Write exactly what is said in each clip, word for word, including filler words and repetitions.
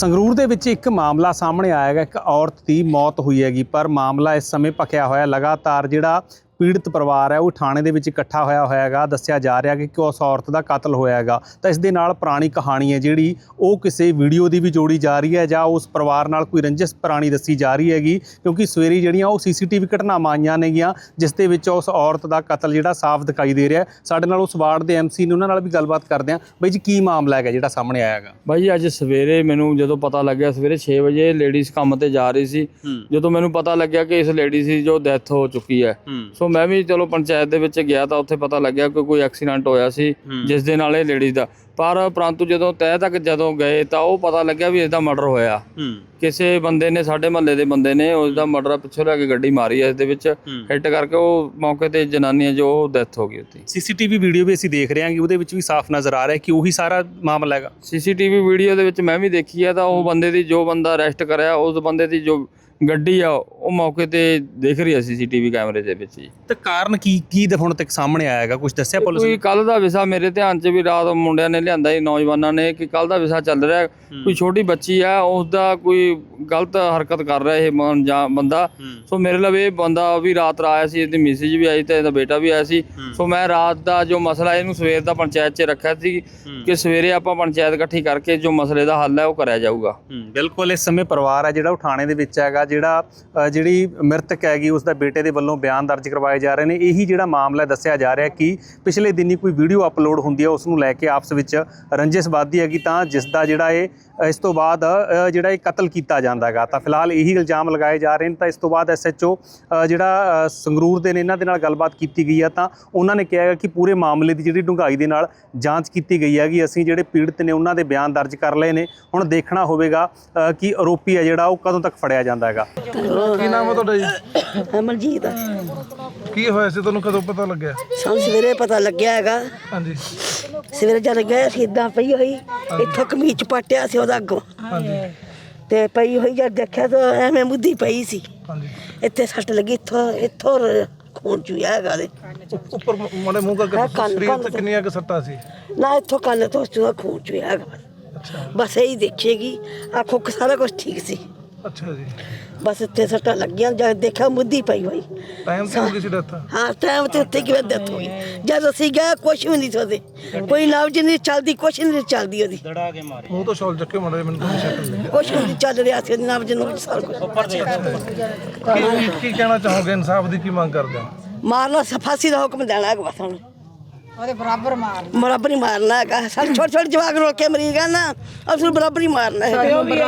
ਸੰਗਰੂਰ ਦੇ ਵਿੱਚ ਇੱਕ ਮਾਮਲਾ ਸਾਹਮਣੇ ਆਇਆ ਹੈਗਾ। ਇੱਕ ਔਰਤ ਦੀ ਮੌਤ ਹੋਈ ਹੈਗੀ, ਪਰ ਮਾਮਲਾ ਇਸ ਸਮੇਂ ਭਖਿਆ ਹੋਇਆ ਲਗਾਤਾਰ ਜਿਹੜਾ ਪੀੜਤ ਪਰਿਵਾਰ ਹੈ ਉਹ ਥਾਣੇ ਦੇ ਵਿੱਚ ਇਕੱਠਾ ਹੋਇਆ ਹੋਇਆ ਹੈਗਾ। ਦੱਸਿਆ ਜਾ ਰਿਹਾ ਕਿ ਉਸ ਔਰਤ ਦਾ ਕਤਲ ਹੋਇਆ ਹੈਗਾ। ਤਾਂ ਇਸ ਦੇ ਨਾਲ ਪੁਰਾਣੀ ਕਹਾਣੀ ਹੈ ਜਿਹੜੀ ਉਹ ਕਿਸੇ ਵੀਡੀਓ ਦੀ ਵੀ ਜੋੜੀ ਜਾ ਰਹੀ ਹੈ ਜਾਂ ਉਸ ਪਰਿਵਾਰ ਨਾਲ ਕੋਈ ਰੰਜਿਸ਼ ਪੁਰਾਣੀ ਦੱਸੀ ਜਾ ਰਹੀ ਹੈਗੀ, ਕਿਉਂਕਿ ਸਵੇਰੇ ਜਿਹੜੀਆਂ ਉਹ ਸੀਸੀਟੀਵੀ ਘਟਨਾਵਾਂ ਆਈਆਂ ਨੇਗੀਆਂ ਜਿਸ ਦੇ ਵਿੱਚ ਉਸ ਔਰਤ ਦਾ ਕਤਲ ਜਿਹੜਾ ਸਾਫ਼ ਦਿਖਾਈ ਦੇ ਰਿਹਾ। ਸਾਡੇ ਨਾਲ ਉਸ ਵਾਰਡ ਦੇ ਐਮਸੀ ਨੇ, ਉਹਨਾਂ ਨਾਲ ਵੀ ਗੱਲਬਾਤ ਕਰਦੇ ਹਾਂ। ਬਾਈ ਜੀ, ਕੀ ਮਾਮਲਾ ਹੈਗਾ ਜਿਹੜਾ ਸਾਹਮਣੇ ਆਇਆ ਹੈਗਾ? ਬਾਈ ਜੀ, ਅੱਜ ਸਵੇਰੇ ਮੈਨੂੰ ਜਦੋਂ ਪਤਾ ਲੱਗਿਆ, ਸਵੇਰੇ ਛੇ ਵਜੇ ਲੇਡੀਜ਼ ਕੰਮ ਤੇ ਜਾ ਰਹੀ ਸੀ, ਜਦੋਂ ਮੈਨੂੰ ਪਤਾ ਲੱਗਿਆ ਕਿ ਇਸ ਲੇਡੀ ਦੀ ਜੋ ਡੈਥ ਹੋ ਚੁੱਕੀ ਹੈ, ਸੋ ਮੈਂ ਵੀ ਚਲੋ ਪੰਚਾਇਤ ਦੇ ਵਿੱਚ ਗਿਆ ਤਾਂ ਉੱਥੇ ਪਤਾ ਲੱਗਿਆ ਕਿ ਕੋਈ ਐਕਸੀਡੈਂਟ ਹੋਇਆ ਸੀ ਜਿਸ ਦੇ ਨਾਲ ਇਹ ਲੇਡੀਜ਼ ਦਾ, ਪਰ ਪਰੰਤੂ ਜਦੋਂ ਤਹਿ ਤੱਕ ਜਦੋਂ ਗਏ ਤਾਂ ਉਹ ਪਤਾ ਲੱਗਿਆ ਵੀ ਇਸ ਦਾ ਮਰਡਰ ਹੋਇਆ। ਕਿਸੇ ਬੰਦੇ ਨੇ, ਸਾਡੇ ਮਹੱਲੇ ਦੇ ਬੰਦੇ ਨੇ ਉਸ ਦਾ ਮਰਡਰ ਪਿੱਛੋਂ ਲੈ ਕੇ ਗੱਡੀ ਮਾਰੀ ਹੈ, ਇਸ ਦੇ ਵਿੱਚ ਹਿੱਟ ਕਰਕੇ ਉਹ ਮੌਕੇ ਤੇ ਜਨਾਨੀ ਹੈ ਜੋ ਡੈਥ ਹੋ ਗਈ ਉੱਥੇ। ਸੀਸੀਟੀਵੀ ਵੀਡੀਓ ਵੀ ਅਸੀਂ ਦੇਖ ਰਹੇ ਹਾਂ ਕਿ ਉਹਦੇ ਵਿੱਚ ਵੀ ਸਾਫ਼ ਨਜ਼ਰ ਆ ਰਿਹਾ ਕਿ ਉਹੀ ਸਾਰਾ ਮਾਮਲਾ ਹੈਗਾ। ਸੀਸੀਟੀਵੀ ਵੀਡੀਓ ਦੇ ਵਿੱਚ ਮੈਂ ਵੀ ਦੇਖੀ ਹੈ ਤਾਂ ਉਹ ਬੰਦੇ ਦੀ, ਜੋ ਬੰਦਾ ਅਰੈਸਟ ਕਰਿਆ ਉਸ ਬੰਦੇ ਦੀ ਜੋ ਗੱਡੀ ਆ ਉਹ ਮੌਕੇ ਤੇ ਦਿਖ ਰਹੀ ਹੈ ਸੀਸੀਟੀਵੀ ਕੈਮਰੇ ਦੇ ਵਿੱਚ ਹੀ। ਤੇ ਕਾਰਨ ਕੀ ਕੀ ਹੁਣ ਤੱਕ ਸਾਹਮਣੇ ਆਇਆ ਹੈਗਾ? ਕੁਝ ਦੱਸਿਆ ਪੁਲਿਸ ਨੇ? ਕੋਈ ਕੱਲ ਦਾ ਵਿਸ਼ਾ ਮੇਰੇ ਧਿਆਨ 'ਚ ਵੀ ਰਾਤ ਮੁੰਡਿਆਂ ਨੇ ਲਿਆਂਦਾ ਸੀ, ਨੌਜਵਾਨਾਂ ਨੇ, ਕਿ ਕੱਲ ਦਾ ਵਿਸ਼ਾ ਚੱਲ ਰਿਹਾ, ਕੋਈ ਛੋਟੀ ਬੱਚੀ ਆ ਉਸ ਦਾ ਕੋਈ ਗਲਤ ਹਰਕਤ ਕਰ ਰਿਹਾ ਇਹ ਜਾਂ ਬੰਦਾ। ਸੋ ਮੇਰੇ ਲਈ ਇਹ ਬੰਦਾ ਵੀ ਰਾਤ ਆਇਆ ਸੀ, ਇਹਦੀ ਮੈਸੇਜ ਵੀ ਆਈ ਤੇ ਇਹਦਾ ਬੇਟਾ ਵੀ ਆਇਆ ਸੀ। ਸੋ ਮੈਂ ਰਾਤ ਦਾ ਜੋ ਮਸਲਾ ਇਹਨੂੰ ਸਵੇਰ ਦਾ ਪੰਚਾਇਤ 'ਚ ਰੱਖਿਆ ਸੀ ਕਿ ਸਵੇਰੇ ਆਪਾਂ ਪੰਚਾਇਤ ਇਕੱਠੀ ਕਰਕੇ ਜੋ ਮਸਲੇ ਦਾ ਹੱਲ ਹੈ ਉਹ ਕਰਿਆ ਜਾਊਗਾ। ਬਿਲਕੁਲ। ਇਸ ਸਮੇਂ ਪਰਿਵਾਰ ਹੈ ਜਿਹੜਾ ਉਹ ਥਾਣੇ ਦੇ ਵਿੱਚ ਹੈਗਾ। ਜਿਹੜਾ ਜਿਹੜੀ ਮ੍ਰਿਤਕ ਹੈਗੀ ਉਸ ਦਾ ਬੇਟੇ ਦੇ ਵੱਲੋਂ ਬਿਆਨ ਦਰਜ ਕਰਵਾਏ ਜਾ ਰਹੇ ਨੇ। ਇਹੀ ਜਿਹੜਾ ਮਾਮਲਾ ਦੱਸਿਆ ਜਾ ਰਿਹਾ ਕਿ ਪਿਛਲੇ ਦਿਨੀ ਕੋਈ ਵੀਡੀਓ ਅਪਲੋਡ ਹੁੰਦੀ ਹੈ, ਉਸ ਨੂੰ ਲੈ ਕੇ ਆਪਸ ਵਿੱਚ ਰੰਜਿਸ਼ ਵੱਧਦੀ ਹੈਗੀ, ਤਾਂ ਜਿਸ ਦਾ ਜਿਹੜਾ ਇਹ ਇਸ ਤੋਂ ਬਾਅਦ ਜਿਹੜਾ ਇਹ ਕਤਲ ਕੀਤਾ ਜਾਂਦਾ ਹੈਗਾ। ਤਾਂ ਫਿਲਹਾਲ ਇਹੀ ਇਲਜ਼ਾਮ ਲਗਾਏ ਜਾ ਰਹੇ ਨੇ। ਤਾਂ ਇਸ ਤੋਂ ਬਾਅਦ ਐਸ ਐਚ ਓ ਜਿਹੜਾ ਸੰਗਰੂਰ ਦੇ ਨੇ, ਇਹਨਾਂ ਦੇ ਨਾਲ ਗੱਲਬਾਤ ਕੀਤੀ ਗਈ ਆ ਤਾਂ ਉਹਨਾਂ ਨੇ ਕਿਹਾ ਕਿ ਪੂਰੇ ਮਾਮਲੇ ਦੀ ਜਿਹੜੀ ਡੂੰਘਾਈ ਦੇ ਨਾਲ ਜਾਂਚ ਕੀਤੀ ਗਈ ਹੈਗੀ। ਅਸੀਂ ਜਿਹੜੇ ਪੀੜਤ ਨੇ ਉਹਨਾਂ ਦੇ ਬਿਆਨ ਦਰਜ ਕਰ ਲਏ ਨੇ। ਹੁਣ ਦੇਖਣਾ ਹੋਵੇਗਾ ਕਿ ਆਰੋਪੀ ਹੈ ਜਿਹੜਾ ਉਹ ਕਦੋਂ ਤੱਕ ਫੜਿਆ ਜਾਂਦਾ ਹੈਗਾ। ਕੀ ਨਾਮ ਹੈ ਤੁਹਾਡਾ ਜੀ? ਅਮਰਜੀਤ। ਕੀ ਹੋਇਆ ਸੀ, ਤੁਹਾਨੂੰ ਕਦੋਂ ਪਤਾ ਲੱਗਿਆ? ਸਾਨੂੰ ਸਵੇਰੇ ਪਤਾ ਲੱਗਿਆ ਹੈਗਾ। ਹਾਂਜੀ। ਸਵੇਰੇ ਜਦ ਗਏ ਅਸੀਂ ਇੱਦਾਂ ਪਈ ਹੋਈ, ਇੱਥੋਂ ਕਮੀਜ਼ ਪਾਟਿਆ ਸੀ ਉਹਦਾ ਅੱਗੋਂ, ਹਾਂਜੀ, ਤੇ ਪਈ ਹੋਈ ਜਦ ਦੇਖਿਆ ਤਾਂ ਐਵੇਂ ਮੁੱਦੀ ਪਈ ਸੀ। ਹਾਂਜੀ। ਇੱਥੇ ਸੱਟ ਲੱਗੀ, ਇੱਥੋਂ ਇੱਥੋਂ ਖੂਨ ਚੂਇਆ ਹੈਗਾ ਦੇ ਉੱਪਰ ਮਾੜੇ ਮੂੰਹ ਕਰਕੇ ਸਰੀਰ ਤੇ ਕਿੰਨੀਆਂ ਕੁ ਸੱਟਾਂ ਸੀ? ਨਾ ਇੱਥੋਂ ਕੰਨ ਤੋਂ ਚੂਹਾ ਖੂਨ ਚੂਇਆ ਹੈਗਾ। ਬਸ ਇਹੀ ਦੇਖੇਗੀ, ਆਖੋ ਕਿ ਸਾਰਾ ਕੁਝ ਠੀਕ ਸੀ। ਅੱਛਾ ਜੀ। ਬਸ ਇੱਥੇ ਸੱਟਾਂ ਲੱਗੀਆਂ, ਜਦ ਦੇਖਿਆ ਮੁੱਦੀ ਪਈ ਹੋਈ। ਟਾਈਮ ਤੇ ਹੋ ਗਈ ਸੀ ਡੈਥ? ਹਾਂ, ਟਾਈਮ ਤੇ ਉੱਥੇ ਕਿਵੇਂ ਡੈਥ ਹੋਈ? ਜਦ ਅਸੀਂ ਗਏ ਕੁਛ ਵੀ ਨਹੀਂ ਸੋਦੇ, ਕੋਈ ਨਬਜ਼ ਨਹੀਂ ਚੱਲਦੀ, ਕੁਛ ਨਹੀਂ ਚੱਲਦੀ ਉਹਦੀ। ਮੂੰਹ ਤੋਂ ਸ਼ਾਲ ਚੱਕੇ ਮਾਰੇ, ਮੈਨੂੰ ਤਾਂ ਸ਼ੱਕ ਲੱਗਿਆ ਕੁਛ ਵੀ ਨਹੀਂ ਚੱਲ ਰਿਹਾ ਸੀ, ਨਬਜ਼ ਨੂੰ ਸਾਰਾ ਕੁਛ। ਕੀ ਕੀ ਕਹਿਣਾ ਚਾਹੋਗੇ? ਇਨਸਾਫ ਦੀ ਕੀ ਮੰਗ ਕਰਦੇ ਹੋ? ਮਾਰਨਾ, ਫਾਂਸੀ ਦਾ ਹੁਕਮ ਦੇਣਾ ਹੈਗਾ ਬਸ ਹੁਣ। ਉਹਦੇ ਬਰਾਬਰ ਮਾਰ ਬਰਾਬਰ ਹੀ ਮਾਰਨਾ ਹੈਗਾ। ਸਾਡੇ ਛੋਟੇ ਛੋਟੇ ਜਵਾਕ ਰੋਲ ਕੇ ਮਰੀ ਗਏ ਨਾ, ਉਸ ਨੂੰ ਬਰਾਬਰ ਹੀ ਮਾਰਨਾ ਹੈ।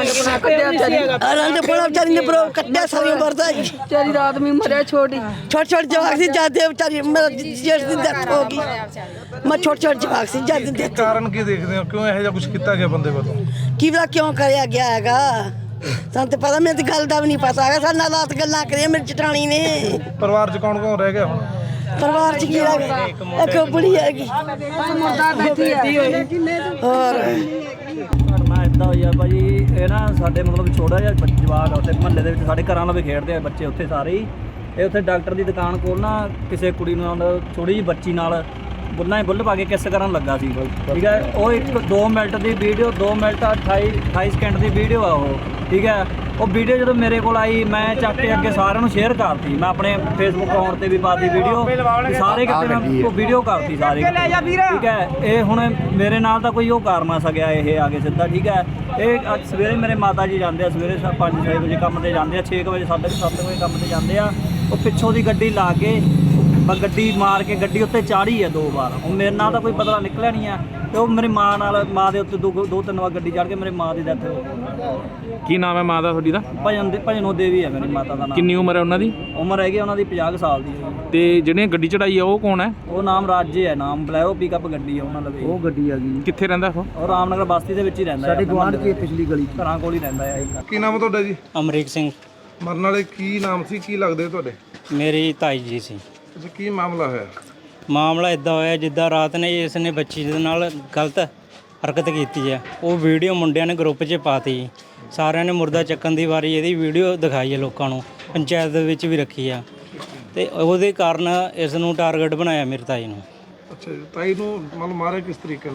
ਆਨੰਦ ਪੁਣਾ ਵਿਚਾਰੀ ਨੇ ਬਰੋ ਕੱਟਿਆ ਸਾਰੀਆਂ ਵਰਦਾ ਜੀ। ਵਿਚਾਰੀ ਰਾਤ ਵੀ ਮਰਿਆ, ਛੋਟੀ ਛੋਟੇ ਛੋਟੇ ਜਵਾਕ ਸੀ ਜਾਂਦੇ, ਵਿਚਾਰੀ ਮੇਰਾ ਜੇਠ ਦੀ ਡੈਥ ਹੋ ਗਈ। ਮੈਂ ਛੋਟੇ ਛੋਟੇ ਜਵਾਕ ਸੀ ਜਾਂਦੇ ਡੈਥ। ਕਾਰਨ ਕੀ ਦੇਖਦੇ ਹੋ? ਕਿਉਂ ਇਹੋ ਜਿਹਾ ਕੁਝ ਕੀਤਾ ਗਿਆ ਬੰਦੇ ਵੱਲੋਂ? ਕੀ ਪਤਾ ਕਿਉਂ ਕਰਿਆ ਗਿਆ ਹੈਗਾ, ਸਾਨੂੰ ਤਾਂ ਪਤਾ, ਮੈਨੂੰ ਤਾਂ ਗੱਲ ਦਾ ਵੀ ਨਹੀਂ ਪਤਾ ਹੈਗਾ। ਸਾਡੇ ਨਾਲ ਰਾਤ ਗੱਲਾਂ ਕਰੀਆਂ ਮੇਰੀ ਚਟਾਣੀ ਨੇ। ਪਰਿਵਾਰ 'ਚ ਕੌਣ ਕੌਣ ਰਹਿ ਗਿਆ ਹੁਣ? ਪਰਿਵਾਰ 'ਚ ਕੀ ਰਹਿ ਗਿਆ? ਇੱਕ ਬੁੜੀ ਹੈਗੀ, ਮੁਰਦਾ ਬੈਠੀ ਹੈ। ਹੋਰ ਘਟਨਾ ਇੱਦਾਂ ਹੋਈ ਆ ਭਾਜੀ, ਇਹ ਨਾ ਸਾਡੇ ਮਤਲਬ ਛੋਟਾ ਜਿਹਾ ਜਵਾਕ ਆ ਉੱਥੇ ਮਹੱਲੇ ਦੇ ਵਿੱਚ, ਸਾਡੇ ਘਰਾਂ ਨਾਲ ਵੀ ਖੇਡਦੇ ਆ ਬੱਚੇ ਉੱਥੇ ਸਾਰੇ ਹੀ। ਇਹ ਉੱਥੇ ਡਾਕਟਰ ਦੀ ਦੁਕਾਨ ਕੋਲ ਨਾ ਕਿਸੇ ਕੁੜੀ ਨਾਲ, ਥੋੜੀ ਜਿਹੀ ਬੱਚੀ ਨਾਲ ਬੁੱਲਾਂ ਹੀ ਬੁੱਲ ਪਾ ਕੇ ਕਿਸ ਕਰਨ ਲੱਗਾ ਸੀ, ਠੀਕ ਹੈ। ਉਹ ਇੱਕ ਦੋ ਮਿੰਟ ਦੀ ਵੀਡੀਓ, ਦੋ ਮਿੰਟ ਅਠਾਈ ਅਠਾਈ ਸਕਿੰਟ ਦੀ ਵੀਡੀਓ ਆ ਉਹ, ਠੀਕ ਹੈ। ਉਹ ਵੀਡੀਓ ਜਦੋਂ ਮੇਰੇ ਕੋਲ ਆਈ, ਮੈਂ ਚੱਕ ਕੇ ਅੱਗੇ ਸਾਰਿਆਂ ਨੂੰ ਸ਼ੇਅਰ ਕਰਤੀ। ਮੈਂ ਆਪਣੇ ਫੇਸਬੁੱਕ ਅਕਾਊਂਟ ਤੇ ਵੀ ਪਾਤੀ ਵੀਡੀਓ, ਸਾਰੇ ਕਿਤੇ ਮੈਂ ਉਹ ਵੀਡੀਓ ਕਰਤੀ ਸਾਰੇ, ਠੀਕ ਹੈ। ਇਹ ਹੁਣ ਮੇਰੇ ਨਾਲ ਤਾਂ ਕੋਈ ਉਹ ਕਰ ਨਾ ਸਕਿਆ ਇਹ ਆ ਕੇ ਸਿੱਧਾ, ਠੀਕ ਹੈ। ਇਹ ਅੱਜ ਸਵੇਰੇ ਮੇਰੇ ਮਾਤਾ ਜੀ ਜਾਂਦੇ ਆ, ਸਵੇਰੇ ਪੰਜ ਛੇ ਵਜੇ ਕੰਮ ਤੇ ਜਾਂਦੇ ਆ, ਛੇ ਕੁ ਵਜੇ ਸਾਢੇ ਸੱਤ ਵਜੇ ਕੰਮ ਤੇ ਜਾਂਦੇ ਆ। ਉਹ ਪਿੱਛੋਂ ਦੀ ਗੱਡੀ ਲਾ ਕੇ ਬਸ ਗੱਡੀ ਮਾਰ ਕੇ ਗੱਡੀ ਉੱਤੇ ਚਾੜੀ ਆ ਦੋ ਵਾਰ। ਉਹ ਮੇਰੇ ਨਾਲ ਤਾਂ ਕੋਈ ਬਦਲਾ ਨਿਕਲਿਆ ਨਹੀਂ ਆ, ਤੇ ਉਹ ਮੇਰੀ ਮਾਂ ਨਾਲ, ਮਾਂ ਦੇ ਉੱਤੇ ਦੋ ਦੋ ਤਿੰਨ ਵਾਰ ਗੱਡੀ ਚੜ੍ਹ ਕੇ ਮੇਰੇ ਮਾਂ ਦੀ ਡੈਥ ਹੋ ਗਈ। ਕੀ ਨਾਮ ਹੈ ਮਾਂ ਦਾ ਤੁਹਾਡੀ ਦਾ? ਭਜਨ ਦੇ ਭਜਨੋ ਦੇਵੀ ਹੈ ਮੇਰੀ ਮਾਤਾ ਦਾ ਨਾਮ। ਕਿੰਨੀ ਉਮਰ ਹੈ ਉਹਨਾਂ ਦੀ? ਉਮਰ ਹੈਗੀ ਉਹਨਾਂ ਦੀ ਪੰਜਾਹ ਸਾਲ ਦੀ। ਤੇ ਜਿਹੜੇ ਗੱਡੀ ਚੜਾਈ ਆ ਉਹ ਕੌਣ ਹੈ? ਉਹ ਨਾਮ ਰਾਜੇ ਹੈ, ਨਾਮ ਬਲੈਰੋ ਪਿਕਅਪ ਗੱਡੀ ਹੈ ਉਹਨਾਂ ਲਵੇ। ਉਹ ਗੱਡੀ ਆ ਗਈ। ਕਿੱਥੇ ਰਹਿੰਦਾ ਉਹ? ਉਹ ਰਾਮਨਗਰ ਬਸਤੀ ਦੇ ਵਿੱਚ ਹੀ ਰਹਿੰਦਾ, ਸਾਡੇ ਗੁਆਂਢ ਦੀ ਪਿਛਲੀ ਗਲੀ ਘਰਾਂ ਕੋਲ ਹੀ ਰਹਿੰਦਾ ਹੈ। ਕੀ ਨਾਮ ਹੈ ਤੁਹਾਡਾ ਜੀ? ਅਮਰੀਕ ਸਿੰਘ। ਮਰਨ ਵਾਲੇ ਕੀ ਨਾਮ ਸੀ, ਕੀ ਲੱਗਦੇ ਤੁਹਾਡੇ? ਮੇਰੀ ਤਾਈ ਜੀ ਸੀ। ਅੱਛਾ, ਕੀ ਮਾਮਲਾ ਹੋਇਆ? ਮਾਮਲਾ ਇਦਾਂ ਹੋਇਆ, ਜਿੱਦਾਂ ਰਾਤ ਨੇ ਇਸ ਨੇ ਬੱਚੀ ਦੇ ਨਾਲ ਗਲਤ ਹਰਕਤ ਕੀਤੀ ਹੈ। ਉਹ ਵੀਡੀਓ ਮੁੰਡਿਆਂ ਨੇ ਗਰੁੱਪ 'ਚ ਪਾਤੀ, ਸਾਰਿਆਂ ਨੇ ਮੁਰਦਾ ਚੱਕਣ ਦੀ ਵਾਰੀ ਇਹਦੀ ਵੀਡੀਓ ਦਿਖਾਈ ਹੈ ਲੋਕਾਂ ਨੂੰ, ਪੰਚਾਇਤ ਦੇ ਵਿੱਚ ਵੀ ਰੱਖੀ ਆ, ਤੇ ਉਹਦੇ ਕਾਰਨ ਇਸ ਨੂੰ ਟਾਰਗੇਟ ਬਣਾਇਆ ਮੇਰੇ ਤਾਈ ਨੂੰ। ਅੱਛਾ ਜੀ, ਤਾਈ ਨੂੰ ਮਤਲਬ ਮਾਰਿਆ ਕਿਸ ਤਰੀਕੇ ਨਾਲ?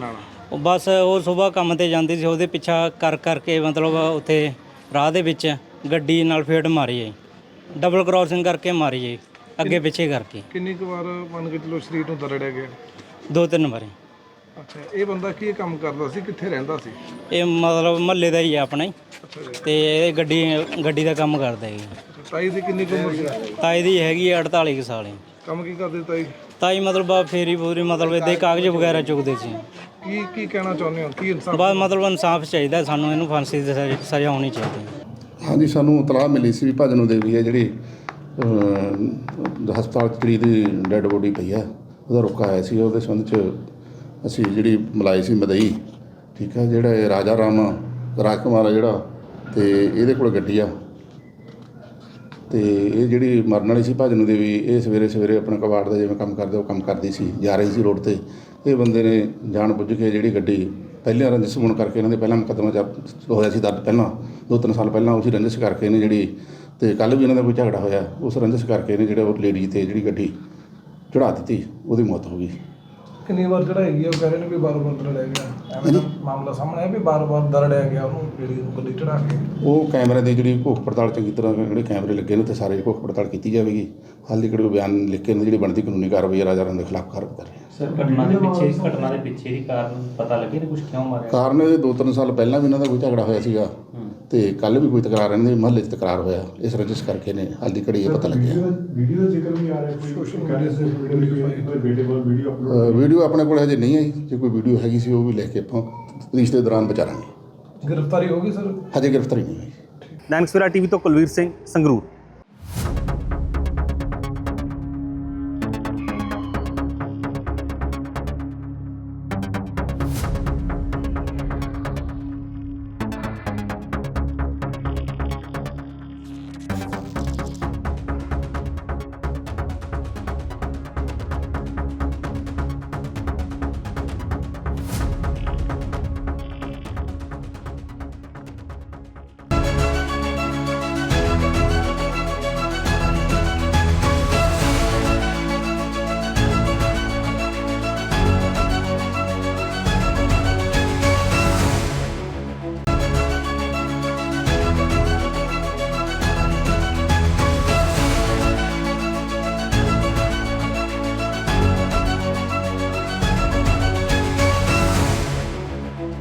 ਉਹ ਬਸ ਉਹ ਸਵੇਰ ਕੰਮ ਤੇ ਜਾਂਦੀ ਸੀ, ਉਹਦੇ ਪਿੱਛਾ ਕਰ ਕਰਕੇ ਮਤਲਬ ਉੱਥੇ ਰਾਹ ਦੇ ਵਿੱਚ ਗੱਡੀ ਨਾਲ ਫੇਟ ਮਾਰੀ ਹੈ, ਡਬਲ ਕ੍ਰਾਸਿੰਗ ਕਰਕੇ ਮਾਰੀ ਹੈ, ਅੱਗੇ ਪਿੱਛੇ ਕਰਕੇ ਕਿੰਨੀ ਕੁ ਵਾਰ ਮੰਨ ਕੇ ਚਲੋ ਸਰੀਰ ਨੂੰ ਦਰੜਿਆ ਗਿਆ? ਦੋ ਤਿੰਨ ਵਾਰੀ। ਅੱਛਾ, ਇਹ ਬੰਦਾ ਕੀ ਕੰਮ ਕਰਦਾ ਸੀ, ਕਿੱਥੇ ਰਹਿੰਦਾ ਸੀ? ਇਹ ਮਤਲਬ ਮਹੱਲੇ ਦਾ ਹੀ ਹੈ ਆਪਣਾ ਹੀ, ਅੱਛਾ ਜੀ। ਤੇ ਇਹ ਗੱਡੀ ਗੱਡੀ ਦਾ ਕੰਮ ਕਰਦਾ ਹੈ। ਤਾਈ ਦੀ ਕਿੰਨੀ ਕੁ ਉਮਰ ਸੀ? ਤਾਈ ਦੀ ਹੈਗੀ ਹੈ ਅੜਤਾਲੀ ਕੁ ਸਾਲ ਹੀ। ਕੰਮ ਕੀ ਕਰਦੇ ਤਾਈ? ਤਾਈ ਮਤਲਬ ਆ ਫੇਰੀ ਫੂਰੀ ਮਤਲਬ ਇੱਦਾਂ ਹੀ ਕਾਗਜ਼ ਵਗੈਰਾ ਚੁੱਕਦੇ ਸੀ। ਕੀ ਕੀ ਕਹਿਣਾ ਚਾਹੁੰਦੇ ਹੋ, ਕੀ ਇਨਸਾਫ? ਬਸ ਮਤਲਬ ਇਨਸਾਫ ਚਾਹੀਦਾ ਸਾਨੂੰ, ਇਹਨੂੰ ਫਾਂਸੀ ਦੀ ਸਜ਼ਾ- ਸਜ਼ਾ ਹੋਣੀ ਚਾਹੀਦੀ। ਹਾਂਜੀ, ਸਾਨੂੰ ਇਤਲਾਹ ਮਿਲੀ ਸੀ ਵੀ ਭਜਨੋ ਦੇਵੀ ਹੈ ਜਿਹੜੀ ਅਹ, ਹਸਪਤਾਲ 'ਚ ਜਿਹੜੀ ਦੀ ਡੈੱਡ ਬੋਡੀ ਪਈ ਹੈ, ਉਹਦਾ ਰੁਕਾ ਆਇਆ ਸੀ। ਉਹਦੇ ਸੰਬੰਧ 'ਚ ਅਸੀਂ ਜਿਹੜੀ ਮਲਾਈ ਸੀ ਮਦਈ, ਠੀਕ ਹੈ, ਜਿਹੜਾ ਇਹ ਰਾਜਾ ਰਾਮ ਰਾਜ ਕੁਮਾਰ ਆ ਜਿਹੜਾ, ਤੇ ਇਹਦੇ ਕੋਲ ਗੱਡੀ ਆ, ਤੇ ਇਹ ਜਿਹੜੀ ਮਰਨ ਵਾਲੀ ਸੀ ਭਜਨੋ ਦੇਵੀ, ਇਹ ਸਵੇਰੇ ਸਵੇਰੇ ਆਪਣਾ ਕਬਾੜ ਦਾ ਜਿਵੇਂ ਕੰਮ ਕਰਦੇ ਉਹ ਕੰਮ ਕਰਦੀ ਸੀ, ਜਾ ਰਹੀ ਸੀ ਰੋਡ 'ਤੇ। ਇਹ ਬੰਦੇ ਨੇ ਜਾਣ ਬੁੱਝ ਕੇ ਜਿਹੜੀ ਗੱਡੀ ਪਹਿਲਾਂ ਰੰਜਿਸ਼ ਹੋਣ ਕਰਕੇ ਇਹਨਾਂ ਦੇ ਪਹਿਲਾਂ ਮੁਕੱਦਮਾ ਚ ਹੋਇਆ ਸੀ ਦਰਜ, ਪਹਿਲਾਂ ਦੋ ਤਿੰਨ ਸਾਲ ਪਹਿਲਾਂ ਉਸੇ ਰੰਜਿਸ਼ ਕਰਕੇ ਇਹਨੇ ਜਿਹੜੀ, ਤੇ ਕੱਲ੍ਹ ਵੀ ਇਹਨਾਂ ਦਾ ਕੋਈ ਝਗੜਾ ਹੋਇਆ, ਉਸ ਰੰਜਿਸ਼ ਕਰਕੇ ਇਹਨੇ ਜਿਹੜਾ ਉਹ ਲੇਡੀ 'ਤੇ ਜਿਹੜੀ ਗੱਡੀ ਚੜ੍ਹਾ ਦਿੱਤੀ, ਉਹਦੀ ਮੌਤ ਹੋ ਗਈ। ਕਿੰਨੀ ਵਾਰ ਚੜਾਈ ਗਿਆ? ਉਹ ਕਹਿ ਰਹੇ ਨੇ ਵੀ ਬਾਰ-ਬਾਰ ਦਰੜਿਆ ਗਿਆ, ਐਵੇਂ ਦਾ ਮਾਮਲਾ ਸਾਹਮਣੇ ਆਇਆ ਵੀ ਬਾਰ-ਬਾਰ ਦਰੜਿਆ ਗਿਆ ਉਹਨੂੰ ਜਿਹੜੀ ਗੱਡੀ ਚੜਾ ਕੇ। ਉਹ ਕੈਮਰੇ ਦੀ ਜਿਹੜੀ ਘੋਖ ਪੜਤਾਲ ਚੰਗੀ ਤਰ੍ਹਾਂ ਜਿਹੜੇ ਕੈਮਰੇ ਲੱਗੇ ਨੇ, ਤੇ ਸਾਰੇ ਘੋਖ ਪੜਤਾਲ ਕੀਤੀ ਜਾਵੇਗੀ। ਹਾਲ ਦੀ ਕਿਹੜੇ ਬਿਆਨ ਲਿਖ ਕੇ ਜਿਹੜੀ ਬਣਦੀ ਕਾਨੂੰਨੀ ਕਾਰਵਾਈ ਰਾਜਾ ਰਾਮ ਦੇ ਖਿਲਾਫ ਕਾਰਵਾਈ ਕਰ ਰਹੇ ਹਾਂ। ਸਰ, ਘਟਨਾ ਦੇ ਪਿੱਛੇ ਘਟਨਾ ਦੇ ਪਿੱਛੇ ਦੀ ਕਾਰਨ ਪਤਾ ਲੱਗੇ ਨੇ ਕੁਝ, ਕਿਉਂ ਮਾਰਿਆ? ਕਾਰਨ ਇਹ ਦੋ ਤਿੰਨ ਸਾਲ ਪਹਿਲਾਂ ਵੀ ਇਹਨਾਂ ਦਾ ਕੋਈ ਝਗੜਾ ਹੋਇਆ ਸੀਗਾ, ਤੇ ਕੱਲ੍ਹ ਵੀ ਕੋਈ ਤਕਰਾਰ ਇਹਨਾਂ ਦੇ ਮਹੱਲੇ 'ਚ ਤਕਰਾਰ ਹੋਇਆ, ਇਸ ਰੰਜਿਸ਼ ਕਰਕੇ ਨੇ ਹਾਲ ਦੀ ਘੜੀ ਇਹ ਪਤਾ ਲੱਗਿਆ। ਵੀਡੀਓ ਦਾ ਜ਼ਿਕਰ ਵੀ ਆ ਰਿਹਾ, ਕੋਈ ਸੋਸ਼ਲ ਮੀਡੀਆ ਤੇ ਵੀਡੀਓ ਅ, ਵੀਡੀਓ ਆਪਣੇ ਕੋਲ ਹਜੇ ਨਹੀਂ ਆਈ, ਜੇ ਕੋਈ ਵੀਡੀਓ ਹੈਗੀ ਸੀ ਉਹ ਵੀ ਲੈ ਕੇ ਆਪਾਂ ਪੁਲਿਸ ਦੇ ਦੌਰਾਨ ਵਿਚਾਰਾਂਗੇ। ਗ੍ਰਿਫਤਾਰੀ ਹੋ ਗਈ ਸਰ? ਹਜੇ ਗ੍ਰਿਫਤਾਰੀ ਨਹੀਂ ਹੋਈ। ਦੈਨਿਕ ਸਵੇਰਾ ਟੀਵੀ ਤੋਂ ਕੁਲਵੀਰ ਸਿੰਘ, ਸੰਗਰੂਰ।